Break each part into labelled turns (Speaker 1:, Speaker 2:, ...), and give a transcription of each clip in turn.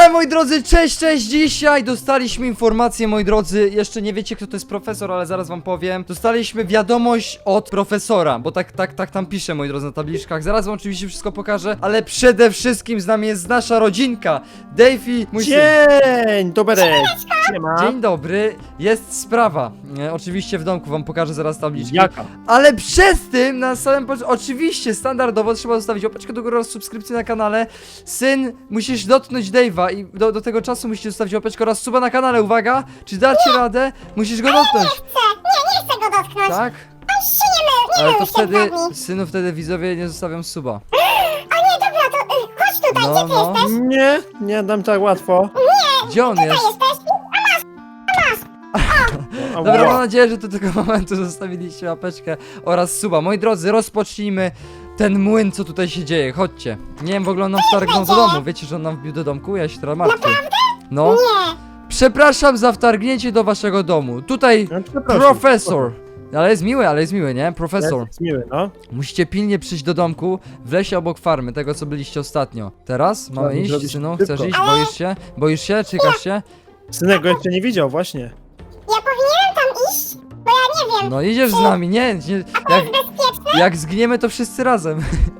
Speaker 1: Moi drodzy, cześć, dzisiaj dostaliśmy informację, moi drodzy, jeszcze nie wiecie kto to jest profesor, ale zaraz wam powiem. Dostaliśmy wiadomość od profesora, bo tak tam pisze, moi drodzy, na tabliczkach. Zaraz wam oczywiście wszystko pokażę, ale przede wszystkim z nami jest nasza rodzinka. Davey, mój syn.
Speaker 2: Dzień dobry! Siema.
Speaker 1: Dzień dobry, jest sprawa. Oczywiście w domku wam pokażę zaraz tabliczki.
Speaker 2: Jaka?
Speaker 1: Ale przez tym na samym początku, oczywiście standardowo trzeba zostawić łapeczkę do góry oraz subskrypcję na kanale. Syn, musisz dotknąć Dave'a i do tego czasu musisz zostawić łapeczkę oraz suba na kanale, uwaga! Czy dacie radę? Musisz go dotknąć.
Speaker 3: Nie chcę go dotknąć.
Speaker 1: Tak?
Speaker 3: On się nie
Speaker 1: Ale
Speaker 3: mył
Speaker 1: to
Speaker 3: się
Speaker 1: wtedy,
Speaker 3: dwa dni.
Speaker 1: synu, wtedy widzowie nie zostawią suba.
Speaker 3: O nie, dobra, to chodź tutaj,
Speaker 1: No,
Speaker 3: gdzie ty
Speaker 1: no.
Speaker 3: jesteś?
Speaker 2: Nie dam tak łatwo.
Speaker 1: Gdzie on jest?
Speaker 3: Jesteś?
Speaker 1: Dobra, mam nadzieję, że do tego momentu zostawiliście łapeczkę oraz suba. Moi drodzy, rozpocznijmy ten młyn, co tutaj się dzieje. Chodźcie. Nie wiem, w ogóle on nam wtargnął do domu. Wiecie, że on nam wbił do domku? Ja się teraz martwię. No.
Speaker 3: Nie.
Speaker 1: Przepraszam za wtargnięcie do waszego domu. Tutaj
Speaker 2: No, przepraszam.
Speaker 1: profesor. Ale jest miły, nie? Profesor.
Speaker 2: Jest miły, no.
Speaker 1: Musicie pilnie przyjść do domku w lesie obok farmy, tego co byliście ostatnio. Teraz mamy
Speaker 2: Trzeba
Speaker 1: iść,
Speaker 2: zrobić
Speaker 1: synu?
Speaker 2: szybko.
Speaker 1: Chcesz iść? Boisz się? Boisz się? Czykasz się?
Speaker 2: Synek go jeszcze nie widział, właśnie.
Speaker 3: Ja powinienem tam iść? Bo ja nie wiem.
Speaker 1: No idziesz z nami, nie, jak zginiemy to wszyscy razem.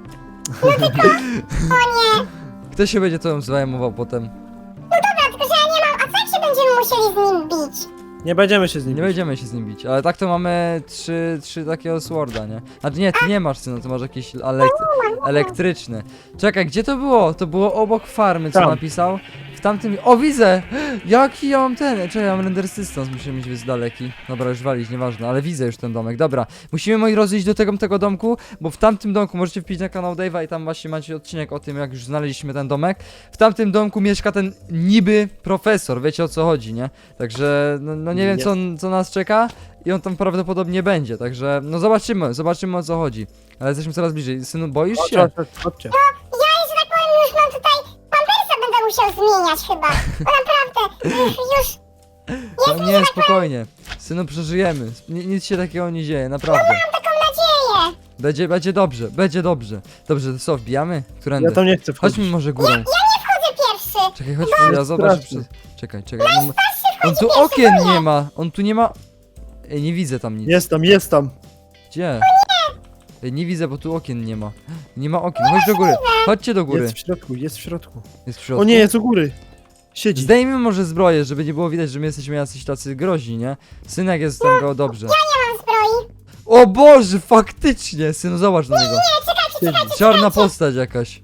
Speaker 1: Kto się będzie tobą zajmował potem?
Speaker 3: Dobra, tylko że ja nie mam. A co jak się będziemy musieli z nim bić?
Speaker 2: Nie będziemy się z nim
Speaker 1: Nie
Speaker 2: bić.
Speaker 1: będziemy się z nim bić, ale tak to mamy trzy takiego sworda, nie? Znaczy nie, ty nie masz synu, ty masz jakieś elektryczne. Czekaj, gdzie to było? To było obok farmy, co
Speaker 2: Tam.
Speaker 1: napisał? W tamtym... O, widzę! Jaki ja mam ten... Czekaj, ja mam render distance, muszę mieć jest daleki. Dobra, już walić, nieważne, ale widzę już ten domek. Dobra, musimy, moi drodzy, iść do tego domku, bo w tamtym domku, możecie wpić na kanał Dave'a i tam właśnie macie odcinek o tym, jak już znaleźliśmy ten domek. W tamtym domku mieszka ten niby profesor, wiecie o co chodzi, nie? Także, no nie wiem, co nas czeka i on tam prawdopodobnie będzie, także, no zobaczymy o co chodzi. Ale jesteśmy coraz bliżej. Synu, boisz się?
Speaker 2: Chodźcie.
Speaker 3: Ja, że tak powiem, już mam tutaj. Pampersa będę musiał zmieniać chyba. Bo naprawdę, już.
Speaker 1: No nie, spokojnie. Synu, przeżyjemy. Nic się takiego nie dzieje, naprawdę.
Speaker 3: Taką nadzieję.
Speaker 1: Będzie dobrze, będzie dobrze. Dobrze, to co, wbijamy? Którędy?
Speaker 2: Ja tam nie chcę wchodzić.
Speaker 1: Chodźmy może górą.
Speaker 3: Wchodzę pierwszy.
Speaker 1: Czekaj, chodźmy, ja zobaczę
Speaker 2: straszny.
Speaker 1: Czekaj. On tu okien nie ma, on tu nie ma... Ej, nie widzę tam nic.
Speaker 2: Jest tam.
Speaker 1: Gdzie? Ej, nie widzę, bo tu okien nie ma. Nie ma okien, chodź do góry. Chodźcie do góry.
Speaker 2: Jest w środku, jest w środku.
Speaker 1: Jest w środku.
Speaker 2: O nie, jest u góry. Siedzi.
Speaker 1: Zdejmijmy może zbroję, żeby nie było widać, że my jesteśmy jacyś tacy groźni, nie? Synek jest tam go dobrze.
Speaker 3: Mam zbroi.
Speaker 1: O Boże, faktycznie! Synu, zobacz na niego.
Speaker 2: Siedzi.
Speaker 1: Czarna postać jakaś.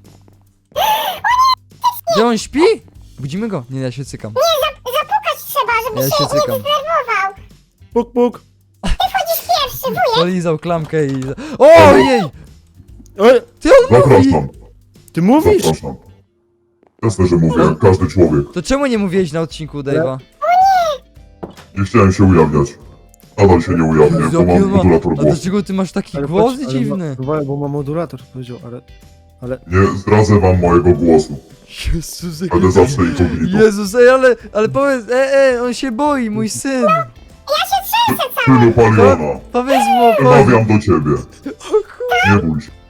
Speaker 1: Gdzie on śpi? Budzimy go? Nie, ja się cykam.
Speaker 3: Zapukać trzeba, żeby
Speaker 1: Ja się
Speaker 3: się nie
Speaker 1: cykam.
Speaker 3: zdenerwował.
Speaker 2: Puk, puk.
Speaker 3: Chodzisz pierwszy, wujek.
Speaker 1: Polizał klamkę i... Ojej!
Speaker 2: Oj,
Speaker 1: Ty on mówi!
Speaker 4: Zapraszam,
Speaker 2: ty mówisz?
Speaker 4: zapraszam. Jasne, że mówię, jak każdy człowiek.
Speaker 1: To czemu nie mówiłeś na odcinku Dave'a?
Speaker 4: Nie chciałem się ujawniać. Nadal się nie ujawnię, bo mam modulator
Speaker 1: A
Speaker 4: głosu.
Speaker 1: dlaczego ty masz taki
Speaker 2: Ale
Speaker 1: głos
Speaker 2: patrz, ale
Speaker 1: dziwny?
Speaker 2: Bo ma modulator, powiedział, ale...
Speaker 4: Nie zdradzę wam mojego głosu.
Speaker 1: Jezus,
Speaker 4: Będę zawsze inkognito.
Speaker 1: Jezus, ale powiedz, on się boi, mój syn.
Speaker 4: Synu Paliona,
Speaker 1: Powiedz mu,
Speaker 4: przemawiam do ciebie. Nie bój się.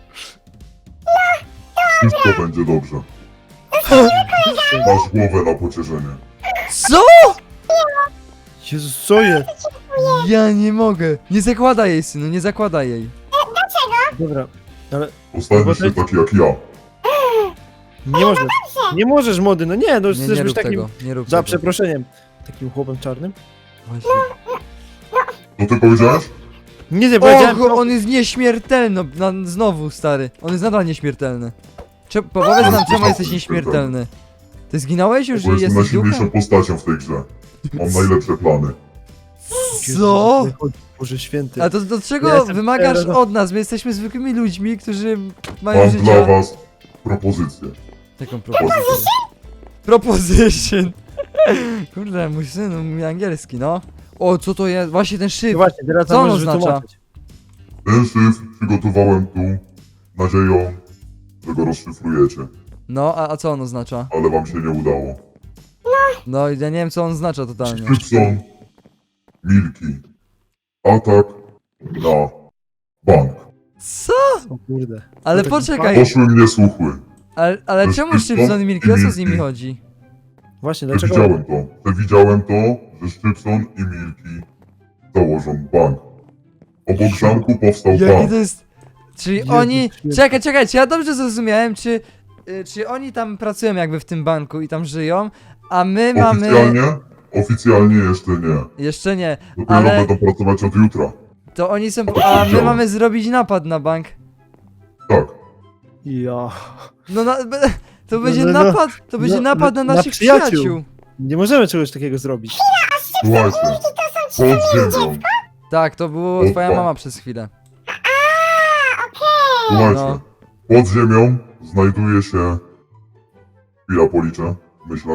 Speaker 4: Wszystko będzie dobrze. Masz głowę na pocieszenie.
Speaker 1: Co?
Speaker 2: Jezus, co jest?
Speaker 1: Ja nie mogę. Nie zakładaj jej, synu, nie zakładaj jej.
Speaker 2: Dobra, ale
Speaker 4: Postaniesz się taki jak ja.
Speaker 2: nie możesz. Nie możesz, młody, no nie, no
Speaker 1: Nie,
Speaker 2: chcesz
Speaker 1: nie
Speaker 2: być
Speaker 1: rób
Speaker 2: takim...
Speaker 1: tego, nie rób
Speaker 2: Za
Speaker 1: tego.
Speaker 2: przeproszeniem. Takim chłopem czarnym?
Speaker 1: Właśnie.
Speaker 4: Co ty powiedziałeś?
Speaker 2: Nie powiedziałem...
Speaker 1: Och, on jest nieśmiertelny, znowu, stary. On jest nadal nieśmiertelny. Powiedz nam, czemu jesteś nieśmiertelny. Ty zginąłeś już,
Speaker 4: Bo
Speaker 1: że
Speaker 4: jestem
Speaker 1: jesteś
Speaker 4: najsilniejszą
Speaker 1: duchem?
Speaker 4: postacią w tej grze. Mam najlepsze plany.
Speaker 1: Co?
Speaker 2: Boże święty.
Speaker 1: A to do
Speaker 2: Ja
Speaker 1: czego
Speaker 2: jestem
Speaker 1: wymagasz
Speaker 2: teraz-
Speaker 1: od nas? My jesteśmy zwykłymi ludźmi, którzy mają
Speaker 4: Mam dla
Speaker 1: życie...
Speaker 4: was propozycję.
Speaker 1: Jaką propozycję? Proposition. Kurde, mój syn mówi angielski, no. O, co to jest? Właśnie ten
Speaker 2: No
Speaker 1: szyb.
Speaker 2: właśnie, teraz
Speaker 1: Co
Speaker 2: nam
Speaker 1: on
Speaker 2: możesz
Speaker 1: oznacza?
Speaker 2: wytłumaczyć.
Speaker 4: Ten szyfr przygotowałem tu nadzieją, że go rozszyfrujecie,
Speaker 1: No, a co on oznacza?
Speaker 4: ale wam się nie udało.
Speaker 1: No, ja nie wiem, co on oznacza totalnie.
Speaker 4: Szybson, Milki, atak na bank.
Speaker 1: Co?
Speaker 2: O kurde.
Speaker 1: Ale
Speaker 2: tak
Speaker 1: poczekaj,
Speaker 4: Poszły mnie słuchły.
Speaker 1: ale czemu
Speaker 4: Szybson
Speaker 1: Szybson i Milki, o co z nimi
Speaker 4: Milki.
Speaker 1: chodzi?
Speaker 2: Właśnie, dlaczego?
Speaker 4: Przewidziałem to, że Szczypson i Milki założą bank. Obok zamku powstał
Speaker 1: Jaki
Speaker 4: bank.
Speaker 1: to jest... Czyli
Speaker 2: Jezus
Speaker 1: oni...
Speaker 2: święty.
Speaker 1: Czekaj, czy ja dobrze zrozumiałem, czy oni tam pracują jakby w tym banku i tam żyją, a my mamy...
Speaker 4: Oficjalnie jeszcze nie.
Speaker 1: Jeszcze nie,
Speaker 4: Dopiero
Speaker 1: ale
Speaker 4: będą pracować od jutra.
Speaker 1: to oni są... A my mamy zrobić napad na bank.
Speaker 4: Tak.
Speaker 2: Ja.
Speaker 1: No to będzie
Speaker 2: no,
Speaker 1: napad, to będzie
Speaker 2: no,
Speaker 1: napad na
Speaker 2: na
Speaker 1: naszych
Speaker 2: przyjaciół.
Speaker 1: przyjaciół.
Speaker 2: Nie możemy czegoś takiego zrobić.
Speaker 4: Słuchajcie, pod ziemią,
Speaker 1: Tak, to było
Speaker 4: Opa.
Speaker 1: twoja mama przez chwilę.
Speaker 4: słuchajcie,
Speaker 1: No.
Speaker 4: pod ziemią znajduje się... Chwila policzę w myślach.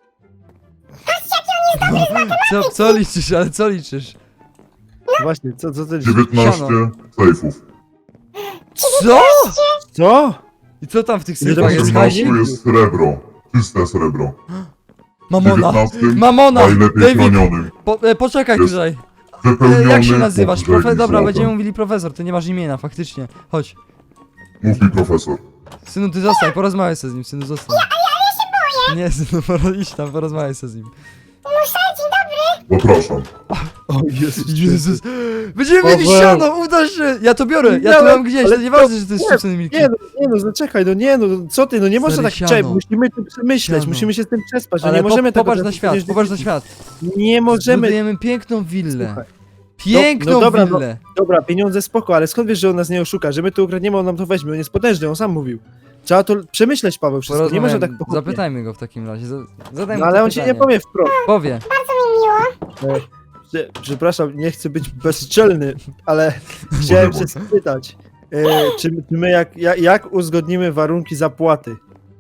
Speaker 1: Co liczysz, ale co liczysz?
Speaker 2: Właśnie, co to
Speaker 4: 19
Speaker 1: Siano.
Speaker 4: sejfów.
Speaker 1: Co?
Speaker 2: Co?
Speaker 1: I co tam w tych
Speaker 2: Nie,
Speaker 1: sejfach
Speaker 2: to
Speaker 1: jest?
Speaker 2: jest
Speaker 1: Kazik?
Speaker 4: Tu jest srebro. Czyste srebro. W
Speaker 1: Mamona!
Speaker 4: 19
Speaker 1: Mamona!
Speaker 4: najlepiej
Speaker 1: David!
Speaker 4: chronionym.
Speaker 1: Poczekaj
Speaker 4: Jest
Speaker 1: tutaj.
Speaker 4: Wypełniony
Speaker 1: Jak się nazywasz?
Speaker 4: po brzegi
Speaker 1: Dobra,
Speaker 4: złotem.
Speaker 1: będziemy mówili profesor, ty nie masz imienia, faktycznie. Chodź.
Speaker 4: Mów mi profesor.
Speaker 1: Synu, ty zostań, porozmawiaj se z nim, synu, zostań. Nie, synu, idź tam, porozmawiaj se z nim.
Speaker 4: Zapraszam.
Speaker 2: O Jezus.
Speaker 1: Jezus! Będziemy
Speaker 2: O
Speaker 1: mieli
Speaker 2: Boże.
Speaker 1: siano, uda się! Ja to biorę, ja to
Speaker 2: Miałem,
Speaker 1: mam gdzieś,
Speaker 2: ale
Speaker 1: to nieważne, że to jest
Speaker 2: nie,
Speaker 1: szczypcony milki.
Speaker 2: Nie no, zaczekaj, no nie no, co ty, no nie można
Speaker 1: Stary,
Speaker 2: tak
Speaker 1: siano.
Speaker 2: czekać, musimy to przemyśleć,
Speaker 1: Siano.
Speaker 2: musimy się z tym przespać, no
Speaker 1: Ale
Speaker 2: nie możemy tego...
Speaker 1: popatrz na świat,
Speaker 2: przecież-
Speaker 1: popatrz na świat.
Speaker 2: Nie możemy...
Speaker 1: Budujemy piękną willę.
Speaker 2: Słuchaj,
Speaker 1: Piękną
Speaker 2: no dobra,
Speaker 1: willę.
Speaker 2: dobra, pieniądze spoko, ale skąd wiesz, że on nas nie oszuka, że my tu ukradniemy, on nam to weźmie, on jest potężny, on sam mówił. Trzeba to przemyśleć, Paweł, wszystko, nie można tak
Speaker 1: Porozmawiamy,
Speaker 2: pochopnie.
Speaker 1: zapytajmy go w takim razie. Zadajmy
Speaker 2: No
Speaker 1: mu
Speaker 2: ale
Speaker 1: to
Speaker 2: on ci nie
Speaker 1: pytanie.
Speaker 2: powie wprost.
Speaker 1: Powie.
Speaker 2: Przepraszam, nie chcę być bezczelny, ale chciałem się spytać, czy my jak uzgodnimy warunki zapłaty?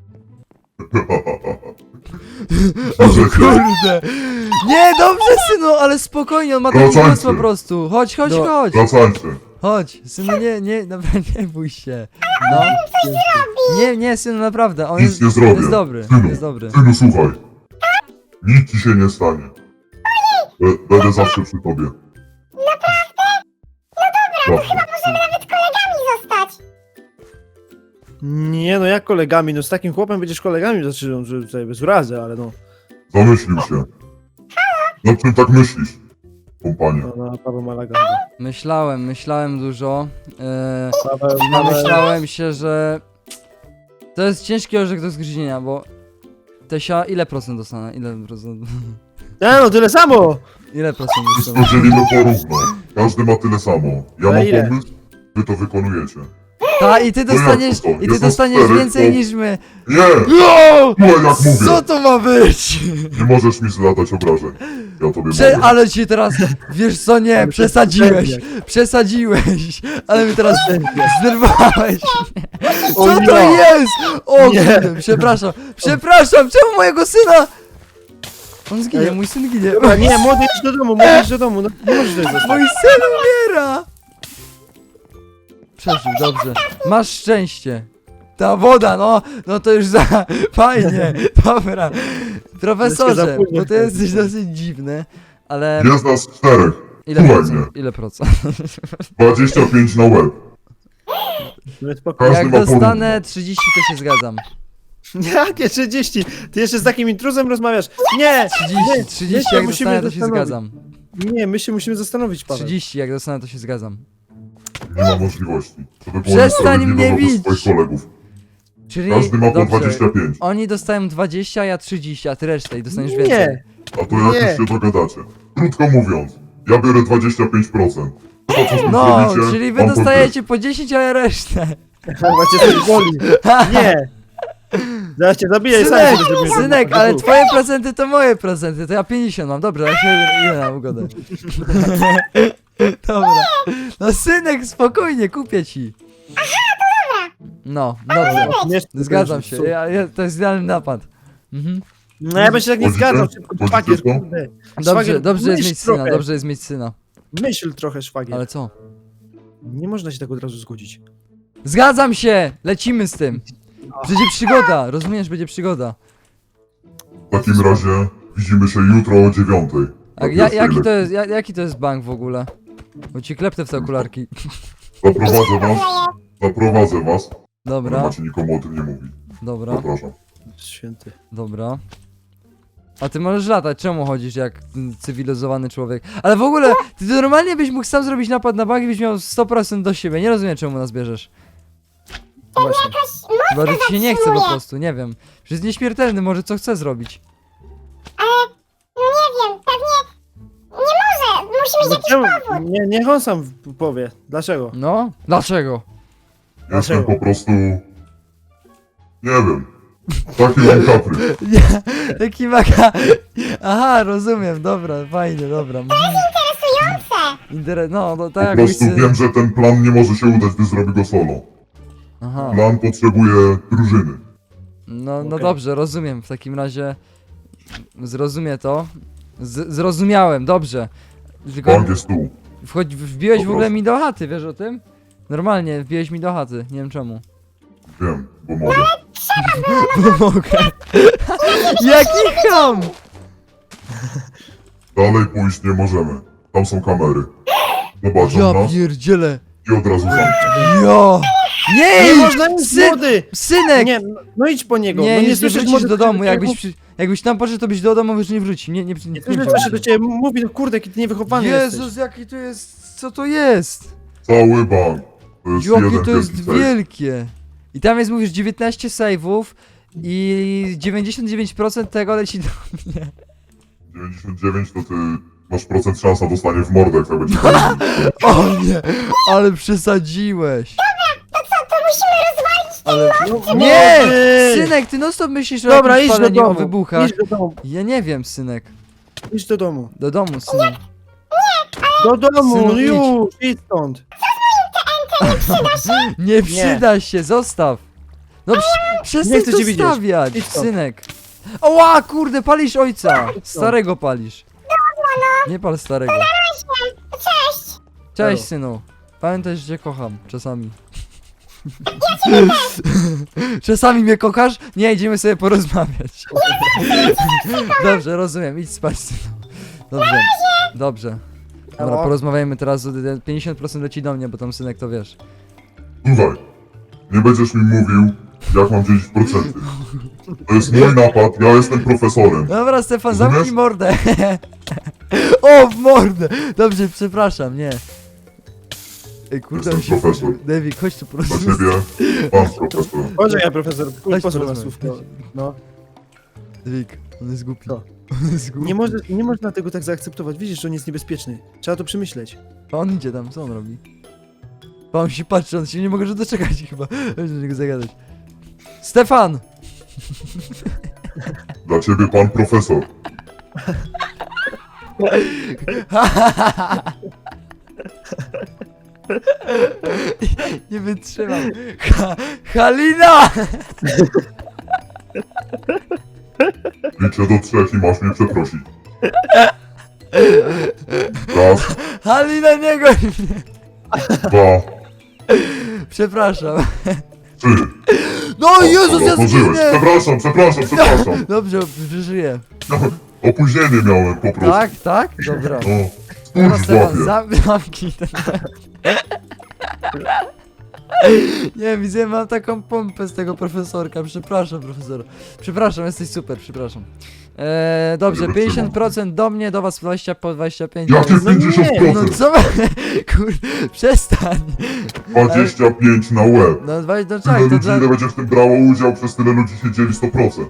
Speaker 4: Możecie.
Speaker 1: Kurde! Nie, dobrze, synu, ale spokojnie, on ma taki
Speaker 4: Wracajcie.
Speaker 1: głos po prostu. Chodź, chodź,
Speaker 2: No.
Speaker 1: chodź.
Speaker 4: Wracajcie.
Speaker 1: Chodź, synu, nie, naprawdę nie bój się. No. Nie, synu, naprawdę, on
Speaker 4: Nic
Speaker 1: jest,
Speaker 4: nie zrobię.
Speaker 1: jest dobry,
Speaker 4: Synu,
Speaker 1: jest dobry.
Speaker 4: Synu, słuchaj. Nic ci się nie stanie. Będę zawsze przy tobie. Naprawdę? No dobra,
Speaker 3: Możemy nawet kolegami zostać.
Speaker 2: Nie no, jak kolegami, no z takim chłopem będziesz kolegami, znaczy, no, że tutaj bez urazy, ale no.
Speaker 4: Zamyślił się. Nad czym tak myślisz, kompanie?
Speaker 2: No, Paweł Malaga.
Speaker 1: Myślałem dużo.
Speaker 2: Paweł,
Speaker 1: Namyślałem się, że to jest ciężki orzech do zgryzienia, bo Tesia, ile procent dostanę? Ile procent?
Speaker 2: Nie no, tyle samo!
Speaker 1: Ile procent
Speaker 4: Wszystko
Speaker 1: dostanę?
Speaker 4: dzielimy porówno. Każdy ma tyle samo. Ja
Speaker 2: Ale
Speaker 4: mam
Speaker 2: ile?
Speaker 4: pomysł, wy to wykonujecie.
Speaker 1: Ta, i ty
Speaker 4: No jak
Speaker 1: dostaniesz,
Speaker 4: to?
Speaker 1: i ty
Speaker 4: Jest
Speaker 1: dostaniesz
Speaker 4: nas czterech,
Speaker 1: więcej
Speaker 4: to-
Speaker 1: niż my.
Speaker 4: Nie!
Speaker 1: No!
Speaker 4: Słuchaj jak mówię.
Speaker 1: Co to ma być?
Speaker 4: Nie możesz mi zlatać obrażeń. Ja tobie mogę.
Speaker 1: Ale ci teraz, wiesz co, nie, przesadziłeś, ale mnie teraz znerwowałeś. Co
Speaker 2: O
Speaker 1: to
Speaker 2: nie.
Speaker 1: jest? O
Speaker 2: Nie.
Speaker 1: kurde, przepraszam, czemu mojego syna? On zginie, mój syn ginie.
Speaker 2: Dobra, nie, młody idź do domu, młody idź do domu, no nie możesz tutaj zostać.
Speaker 1: Mój syn umiera! Przeżył, dobrze. Masz szczęście. Ta woda, no to już za... Fajnie, dobra. Profesorze,
Speaker 2: za późno
Speaker 1: bo to jesteś dosyć dziwny, ale...
Speaker 4: Jest nas czterech.
Speaker 1: Ile
Speaker 4: Słuchaj
Speaker 1: procent?
Speaker 4: mnie.
Speaker 1: Ile procent?
Speaker 4: 25 na łeb.
Speaker 2: No spokojnie.
Speaker 4: Każdy
Speaker 1: Jak
Speaker 4: ma
Speaker 1: dostanę 30, to się zgadzam.
Speaker 2: Jakie 30? Ty jeszcze z takim intruzem rozmawiasz? Nie!
Speaker 1: 30 jak
Speaker 2: musimy
Speaker 1: dostanę, to się
Speaker 2: zastanowić.
Speaker 1: zgadzam.
Speaker 2: Nie, my się musimy zastanowić, Paweł.
Speaker 1: 30 jak dostanę, to się zgadzam.
Speaker 4: Nie ma możliwości. To by było
Speaker 1: Przestań
Speaker 4: niesprawiedliwe
Speaker 1: mnie
Speaker 4: wobec
Speaker 1: bić.
Speaker 4: swoich kolegów.
Speaker 1: Czyli,
Speaker 4: Każdy ma po
Speaker 1: dobrze,
Speaker 4: 25.
Speaker 1: oni dostają 20, a ja 30, a ty resztę i dostaniesz więcej.
Speaker 2: Nie!
Speaker 4: A to jak
Speaker 2: Nie.
Speaker 4: już się dogadacie. Krótko mówiąc, ja biorę 25%. To co z tym
Speaker 1: No,
Speaker 4: zrobicie,
Speaker 1: czyli wy
Speaker 4: mam to
Speaker 1: dostajecie po 10, a ja resztę.
Speaker 2: Chyba cię coś boli. Nie! Zaraz cię zabiję i sam
Speaker 1: Synek,
Speaker 2: się zrobię.
Speaker 1: synek, ale twoje procenty to moje procenty, to ja 50 mam, dobra, ja się idę na ugodę. Dobra. No synek, spokojnie, kupię ci. No, dobrze,
Speaker 2: Nie,
Speaker 1: zgadzam się, to jest idealny napad. Mhm.
Speaker 2: No ja bym się tak nie
Speaker 4: Chodzicie?
Speaker 2: zgadzał, szybko,
Speaker 4: Chodzicie
Speaker 2: szwagier,
Speaker 4: w to?
Speaker 2: kurde.
Speaker 1: Dobrze,
Speaker 2: Szwagier,
Speaker 1: dobrze jest
Speaker 2: myśl
Speaker 1: mieć syna,
Speaker 2: trochę.
Speaker 1: dobrze jest mieć syna.
Speaker 2: Myśl trochę, szwagier.
Speaker 1: Ale co?
Speaker 2: Nie można się tak od razu zgodzić.
Speaker 1: Zgadzam się! Lecimy z tym! Będzie przygoda, rozumiesz, będzie przygoda.
Speaker 4: W takim razie widzimy się jutro o 9.
Speaker 1: A jaki to jest bank w ogóle? Bo ci kleptę w te okularki.
Speaker 4: Zaprowadzę was. Nie
Speaker 1: Dobra,
Speaker 4: macie nikomu o tym nie mówić.
Speaker 1: dobra,
Speaker 4: Zapraszam.
Speaker 2: Święty.
Speaker 1: dobra. A ty możesz latać, czemu chodzisz jak cywilizowany człowiek? Ale w ogóle, ty normalnie byś mógł sam zrobić napad na bank i byś miał 100% do siebie. Nie rozumiem, czemu nas bierzesz.
Speaker 2: Właśnie.
Speaker 3: Jakoś
Speaker 1: Chyba, że ci się nie chce po
Speaker 3: zatrzymuje.
Speaker 1: prostu, nie wiem. Że jest nieśmiertelny, może co chce zrobić.
Speaker 3: Ale, no nie wiem, pewnie nie może. Musi mieć jakiś powód.
Speaker 2: Nie, niech on sam powie. Dlaczego?
Speaker 1: No? Dlaczego?
Speaker 4: Jestem
Speaker 2: Dlaczego?
Speaker 4: po prostu... Nie wiem. Taki mam kaprys.
Speaker 1: Nie, taki maka... Aha, rozumiem, dobra, fajnie, dobra.
Speaker 3: Interesujące.
Speaker 1: No,
Speaker 4: Po
Speaker 1: tak
Speaker 4: prostu
Speaker 1: jakbyś...
Speaker 4: wiem, że ten plan nie może się udać, gdy zrobi go solo.
Speaker 1: Aha,
Speaker 4: Plan potrzebuje drużyny.
Speaker 1: no
Speaker 2: Okej.
Speaker 1: dobrze, rozumiem, w takim razie... Zrozumie to. Zrozumiałem, dobrze. Tylko
Speaker 4: Bank jest tu.
Speaker 1: wbiłeś
Speaker 4: Po
Speaker 1: w ogóle
Speaker 4: prostu.
Speaker 1: mi do chaty, wiesz o tym? Normalnie, wbiłeś mi do chaty, nie wiem czemu.
Speaker 4: Wiem, bo mogę.
Speaker 1: Mogę. Jaki ham!
Speaker 4: Dalej pójść nie możemy. Tam są kamery. Zobaczą
Speaker 1: Ja
Speaker 4: nas
Speaker 1: pierdzielę.
Speaker 4: i od razu zamkną.
Speaker 1: Jo! Nie!
Speaker 2: Nie można iść, młody!
Speaker 1: Synek!
Speaker 2: Nie, no idź po niego.
Speaker 1: Nie,
Speaker 2: no
Speaker 1: nie
Speaker 2: słyszysz,
Speaker 1: wrócisz
Speaker 2: młody,
Speaker 1: do domu,
Speaker 2: jak
Speaker 1: jakbyś tam poszedł, to byś do domu już nie wrócił. Nie
Speaker 2: słyszę, co się do ciebie mówi, no kurde, jaki ty niewychowany
Speaker 1: Jezus,
Speaker 2: jesteś.
Speaker 1: jaki to jest, co to jest?
Speaker 4: Cały bank. To jest
Speaker 1: Jakie
Speaker 4: jeden
Speaker 1: to jest
Speaker 4: wielki sejf.
Speaker 1: wielkie. I tam jest, mówisz, 19 save'ów i 99% tego leci do mnie.
Speaker 4: 99 to ty masz procent szans na dostanie w mordę, jak tak będzie.
Speaker 1: O nie, ale przesadziłeś.
Speaker 3: To co, to musimy rozwalić
Speaker 1: Ale...
Speaker 2: No,
Speaker 1: Nie!
Speaker 2: młody!
Speaker 1: Synek, ty non stop myślisz o
Speaker 2: Dobra,
Speaker 1: jakimś
Speaker 2: idź do
Speaker 1: paleniu, o
Speaker 2: domu.
Speaker 1: wybuchach.
Speaker 2: Idź do domu.
Speaker 1: Ja nie wiem, synek.
Speaker 2: Idź do domu.
Speaker 1: Do domu, synek.
Speaker 2: Do domu,
Speaker 1: Synu,
Speaker 2: no
Speaker 1: idź.
Speaker 2: już, idź stąd.
Speaker 1: Nie przyda się, zostaw. No przestań
Speaker 2: Nie chcę
Speaker 1: to
Speaker 2: cię widzieć.
Speaker 1: stawiać,
Speaker 2: Idź stąd.
Speaker 1: synek. Oła, kurde, palisz ojca. Starego palisz. Nie pal starego.
Speaker 3: Cześć.
Speaker 1: Cześć, synu. Pamiętaj, że cię kocham, czasami. Czasami mnie kochasz? Nie, idziemy sobie porozmawiać. Dobrze, rozumiem, idź spać, synu. Dobrze, dobrze. Dobra,
Speaker 2: Elo?
Speaker 1: porozmawiajmy teraz, 50% leci do mnie, bo tam synek to wiesz.
Speaker 4: Słuchaj, nie będziesz mi mówił, jak mam dzielić procenty. To jest mój napad, ja jestem profesorem.
Speaker 1: Dobra, Stefan,
Speaker 4: Rozumiesz?
Speaker 1: zamknij mordę. O, w mordę. Dobrze, przepraszam, nie. Ej, kurde,
Speaker 4: Jestem
Speaker 1: on się...
Speaker 4: profesor.
Speaker 1: David, chodź tu
Speaker 4: Dla
Speaker 1: porozmawiać.
Speaker 4: ciebie, pan profesor.
Speaker 2: Poczekaj, profesor,
Speaker 1: Chodź
Speaker 2: pozwól na
Speaker 1: porozmawiać.
Speaker 2: słówko. No.
Speaker 1: David, on jest głupi.
Speaker 2: Co?
Speaker 1: On jest głupi.
Speaker 2: Nie można tego tak zaakceptować, widzisz, że on jest niebezpieczny. Trzeba to przemyśleć.
Speaker 1: A on idzie tam, co on robi? A on się patrzy, on się nie może już doczekać chyba. Chodź do niego zagadać. Stefan!
Speaker 4: Dla ciebie, pan profesor.
Speaker 1: Nie wytrzymam. Halina!
Speaker 4: Liczę do 3 i masz mnie przeprosić. Raz,
Speaker 1: Halina, nie goń mnie!
Speaker 4: 2,
Speaker 1: Przepraszam.
Speaker 4: 3.
Speaker 1: No Jezus, ja
Speaker 4: Otworzyłeś.
Speaker 1: zginę!
Speaker 4: Przepraszam.
Speaker 1: Dobrze, przeżyję.
Speaker 4: Opóźnienie miałem po prostu.
Speaker 1: Tak, tak? Dobra.
Speaker 4: No,
Speaker 1: Dobra,
Speaker 4: spójrz w
Speaker 1: Stefan,
Speaker 4: łapie.
Speaker 1: zamknij ten... Nie, widzę, mam taką pompę z tego profesorka. Przepraszam, profesor. Przepraszam, jesteś super, przepraszam. Dobrze,
Speaker 4: Nie wytrzymam.
Speaker 1: 50% do mnie, do was 20 po 25.
Speaker 4: Jakie
Speaker 1: No nie,
Speaker 4: 50%?
Speaker 1: no co? Kurde, przestań.
Speaker 4: 25 na łeb.
Speaker 1: No, no
Speaker 4: Tyle
Speaker 1: czekaj, to
Speaker 4: ludzi,
Speaker 1: dla...
Speaker 4: ile będzie w tym brało udział, przez tyle ludzi się dzieli 100%.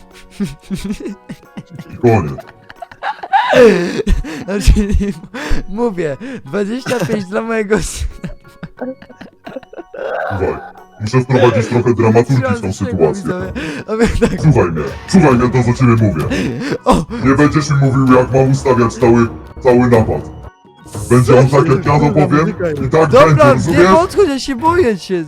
Speaker 4: I koniec.
Speaker 1: Znaczy, mówię, 25 dla mojego syna.
Speaker 4: Słuchaj, muszę wprowadzić trochę dramaturgii w tą sytuację.
Speaker 1: A my tak...
Speaker 4: Słuchaj mnie, to co ciebie mówię.
Speaker 1: O!
Speaker 4: Nie będziesz mi mówił, jak mam ustawiać cały napad. Będzie on tak, jak ja to powiem i tak będzie,
Speaker 1: Dobra, nie
Speaker 4: rozumiesz?
Speaker 1: podchodź, ja się boję cię.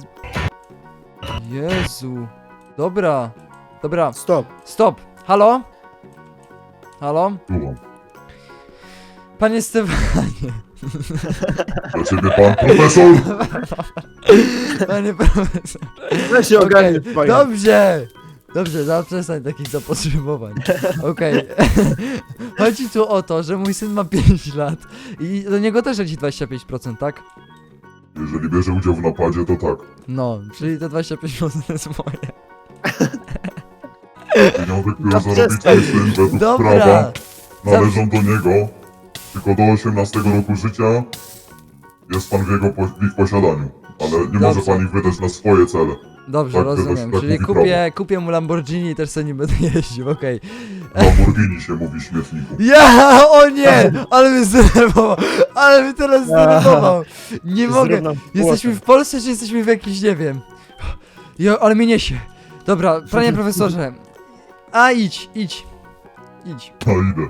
Speaker 1: Jezu. Dobra. Dobra,
Speaker 2: Stop.
Speaker 1: stop. Halo? Halo?
Speaker 4: Słucham.
Speaker 1: Panie Stefanie.
Speaker 4: Dla ciebie pan profesor.
Speaker 1: Panie profesor.
Speaker 2: Weź się ogarnij,
Speaker 1: Okej, dobrze. Dobrze, zaprzestań takich zapotrzebowań. Okej. Chodzi tu o to, że mój syn ma 5 lat i do niego też leci 25%, tak?
Speaker 4: Jeżeli bierze udział w napadzie, to tak.
Speaker 1: No, czyli te 25% jest moje.
Speaker 4: Pieniądze, które
Speaker 2: No
Speaker 4: zarobi
Speaker 2: przestań.
Speaker 4: twój syn według
Speaker 1: Dobra.
Speaker 4: prawa, należą do niego, tylko do 18 roku życia jest pan w ich posiadaniu. Ale nie może
Speaker 1: Dobrze.
Speaker 4: pan ich wydać na swoje cele.
Speaker 1: Dobrze,
Speaker 4: Tak,
Speaker 1: rozumiem.
Speaker 4: tak
Speaker 1: Czyli
Speaker 4: mówi
Speaker 1: kupię mu Lamborghini i też sobie nie będę jeździł, okej.
Speaker 4: Lamborghini się mówi śmietniku.
Speaker 1: Ja, o nie! Ale mnie zdenerwował! Ale mnie teraz zdenerwował! Nie mogę!
Speaker 2: Zrób nam
Speaker 1: Jesteśmy w Polsce, czy jesteśmy w jakimś, nie wiem... Jo, ale mnie niesie. Dobra, panie profesorze. A, idź. Idź.
Speaker 4: A idę.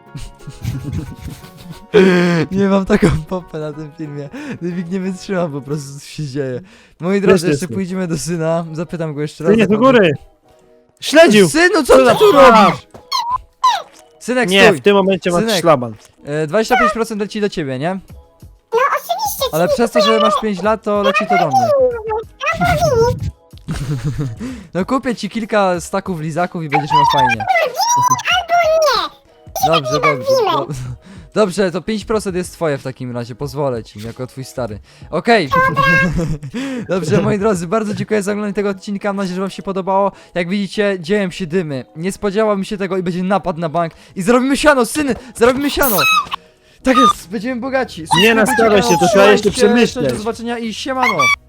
Speaker 1: Nie mam taką popę na tym filmie. Dywik nie wytrzymam po prostu, co się dzieje. Moi drodzy,
Speaker 2: Też
Speaker 1: jeszcze
Speaker 2: jestem.
Speaker 1: pójdziemy do syna. Zapytam go jeszcze raz.
Speaker 2: Nie, do
Speaker 1: jak
Speaker 2: góry! Śledził!
Speaker 1: Synu, co
Speaker 2: Co
Speaker 1: ty
Speaker 2: za
Speaker 1: tu
Speaker 2: praw?
Speaker 1: robisz? Synek,
Speaker 2: Nie,
Speaker 1: stój.
Speaker 2: w tym momencie masz
Speaker 1: Synek.
Speaker 2: szlaban.
Speaker 1: 25% leci do ciebie, nie?
Speaker 3: No oczywiście,
Speaker 1: Ale przez to, że masz 5 lat, to leci to do mnie. No kupię ci kilka staków lizaków i będziesz miał fajnie. Dobrze. Dobrze, to 5% jest twoje w takim razie, pozwolę ci, jako twój stary. Okej. Dobrze, moi drodzy, bardzo dziękuję za oglądanie tego odcinka, mam nadzieję, że wam się podobało. Jak widzicie, dzieją się dymy. Nie spodziewałem się tego i będzie napad na bank. I zarobimy siano, syny, zarobimy siano. Tak jest, będziemy bogaci.
Speaker 2: Nie nastawiaj się, to trzeba
Speaker 1: Trzymajcie
Speaker 2: jeszcze przemyśleć.
Speaker 1: Cześć, do zobaczenia i siemano.